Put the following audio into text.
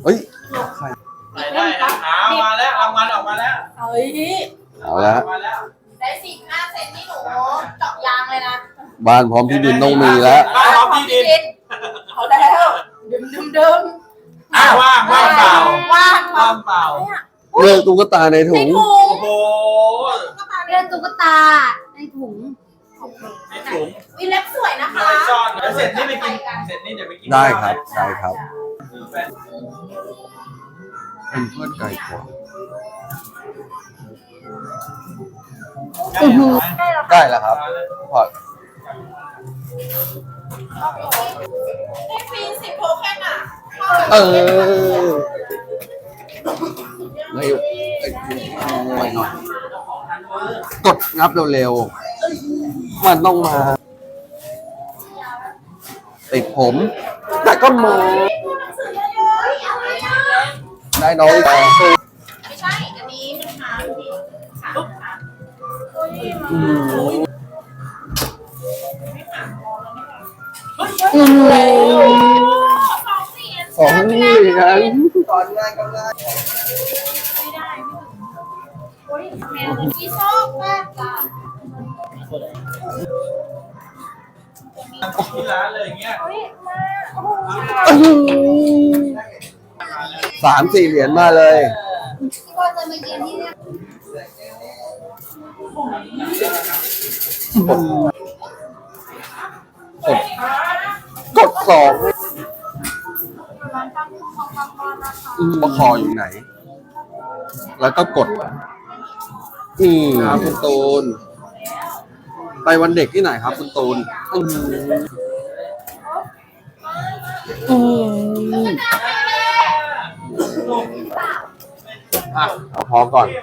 เฮ้ยใครใส่ได้นะมาแล้วรางวัลออกมาแล้วเฮ้ยเอาละมาแล้วได้15 เซนนี่หนูเจาะยางเลยนะบ้านพร้อมที่ดินต้องมีแล้วบ้านพร้อมที่ดินเอาแล้วดึมว่างเปล่าว่างว่างเปล่าเลือกตุ๊กตาในถุในงถุงโอ้โหเลือกตุ๊กตาในถุงในถุงวิเล็บสวยนะคะไปซ่อนเดี๋ยวเสร็จนี่ไปกินเสร็จนี่เดี๋ยวไปกินได้ครับได้ครับเป็นเพื่อนไก่กว่าได้แล้วครับพอให้ฟรี10 โทเค็นอ่ะไม่หน่อยกดงับเร็วๆมันต้องมาติดผมแต่ก็มาพูดหนังสือเยอะๆอะไรอ่ะได้น้องแต่ไม่ใช่ อันนี้มันค้างที่ขาค่ะสองนี่กันตอนงานกำลังไม่ได้โอ้ยแมวที่ชอบมากจ้ะที่ร้านเลยอย่างเงี้ยโอ้ยมาโอ้โห 3-4 เหรียญมาเลยที่ว่าจะมาเย็นที่เนี่ยกดสองว่าคออยู่ไหน แล้วก็กดครับคุณตูน ไปวันเด็กที่ไหนครับคุณตูนเอาพอก่อน